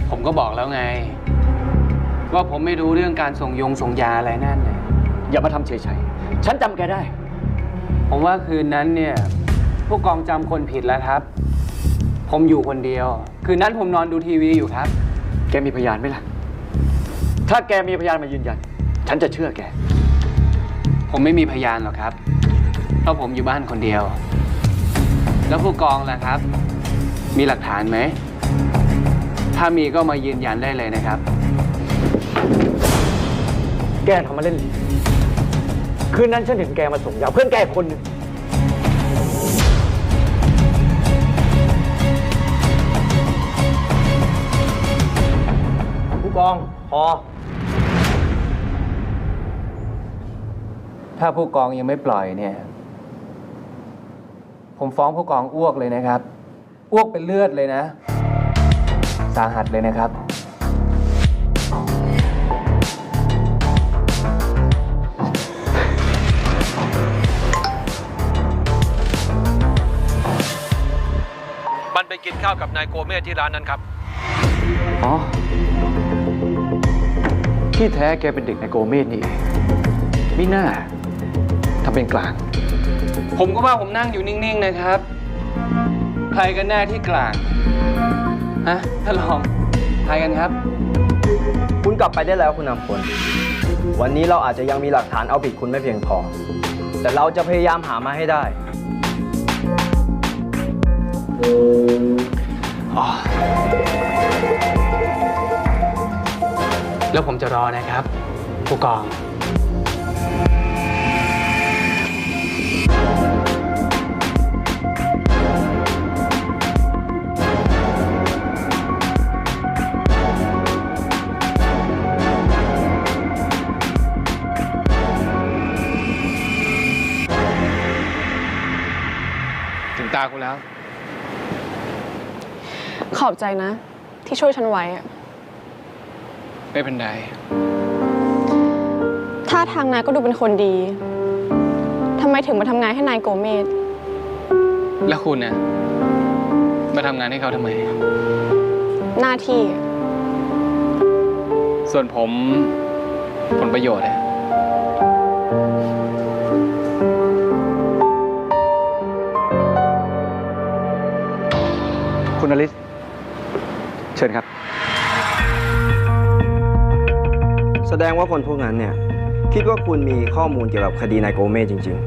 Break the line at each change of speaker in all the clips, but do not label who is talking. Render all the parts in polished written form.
ผมก็บอกแล้วไงว่าผมไม่รู้เรื่องการส่งยาอะไรนั่นเนี่ย
อย่ามาทำเฉยๆฉันจำแกได้
ผมว่าคืนนั้นเนี่ยผู้กองจำคนผิดแล้วครับผมอยู่คนเดียวคืนนั้นผมนอนดูทีวีอยู่ครับ
แกมีพยานไหมล่ะถ้าแกมีพยานมายืนยันฉันจะเชื่อแก
ผมไม่มีพยานหรอกครับเพราะผมอยู่บ้านคนเดียวแล้วผู้กองล่ะครับมีหลักฐานไหมถ้ามีก็มายืนยันได้เลยนะครับ
แกทำมาเล่นคืนนั้นฉันเห็นแกมาส่งยาเพื่อนแกคนหนึ่งผู้กองพอ
ถ้าผู้กองยังไม่ปล่อยเนี่ยผมฟ้องผู้กองอ้วกเลยนะครับอ้วกเป็นเลือดเลยนะสาหัสเลยนะครับ
มันไปกินข้าวกับนายโกเมสที่ร้านนั้นครับ
อ๋อที่แท้แกเป็นเด็กในโกเมสนี่มิน่าทำเป็นกลาง
ผมก็ว่าผมนั่งอยู่นิ่งๆนะครับใครกันแน่ที่กลางฮะท่านรองใครกันครับ
คุณกลับไปได้แล้วคุณนำพลวันนี้เราอาจจะยังมีหลักฐานเอาผิดคุณไม่เพียงพอแต่เราจะพยายามหามาให้ได้
แล้วผมจะรอนะครับผู้กองถึงตากูแล้ว
ขอบใจนะที่ช่วยฉันไว้อะ
ไม่เป็นไร
ท่าทางนายก็ดูเป็นคนดีทำไมถึงมาทำงานให้นายโกเมส
แล้วคุณเนี่ยมาทำงานให้เขาทำไม
หน้าที่
ส่วนผมผลประโยชน์เนี่ย
คุณอลิสเชิญครับ
แสดงว่าคนพวกนั้นเนี่ยคิดว่าคุณมีข้อมูลเกี่ยวกับคดีนายโกเมสจริง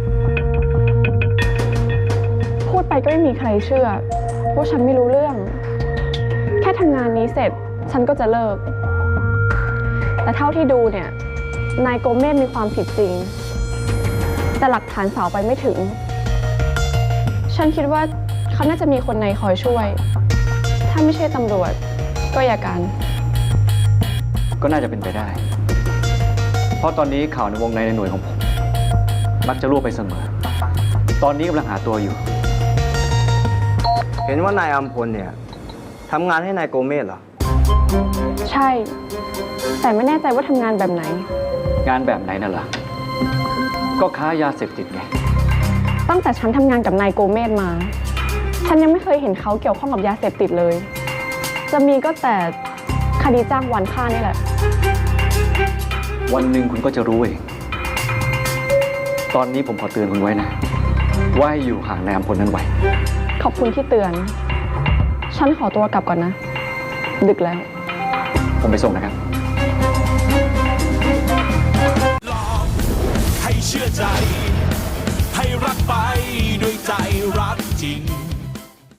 ๆพูดไปก็ไม่มีใครเชื่อว่าฉันไม่รู้เรื่องแค่ทำงานนี้เสร็จฉันก็จะเลิกแต่เท่าที่ดูเนี่ยนายโกเมสมีความผิดจริงแต่หลักฐานสาวไปไม่ถึงฉันคิดว่าเขาน่าจะมีคนในคอยช่วยถ้าไม่ใช่ตำรวจก็อัยการ
ก็น่าจะเป็นไปได้เพราะตอนนี้ข่าวในวงในหน่วยของผมมักจะรั่วไปเสมอตอนนี้กำลังหาตัวอยู่
เห็นว่านายอัมพลเนี่ยทำงานให้นายโกเมสเหรอ
ใช่แต่ไม่แน่ใจว่าทำงานแบบไหน
งานแบบไหนน่ะล่ะก็ค้ายาเสพติดไง
ตั้งแต่ฉันทำงานกับนายโกเมสมาฉันยังไม่เคยเห็นเขาเกี่ยวข้องกับยาเสพติดเลยจะมีก็แต่คดีจ้างวานฆ่านี่แหละ
วันหนึ่งคุณก็จะรู้เองตอนนี้ผมขอเตือนคุณไว้นะว่าให้อยู่ห่างนายอัมพลนั้นไว้
ขอบคุณที่เตือนฉันขอตัวกลับก่อนนะดึกแล้ว
ผมไปส่งนะครับ
หลอกให้เชื่อใจ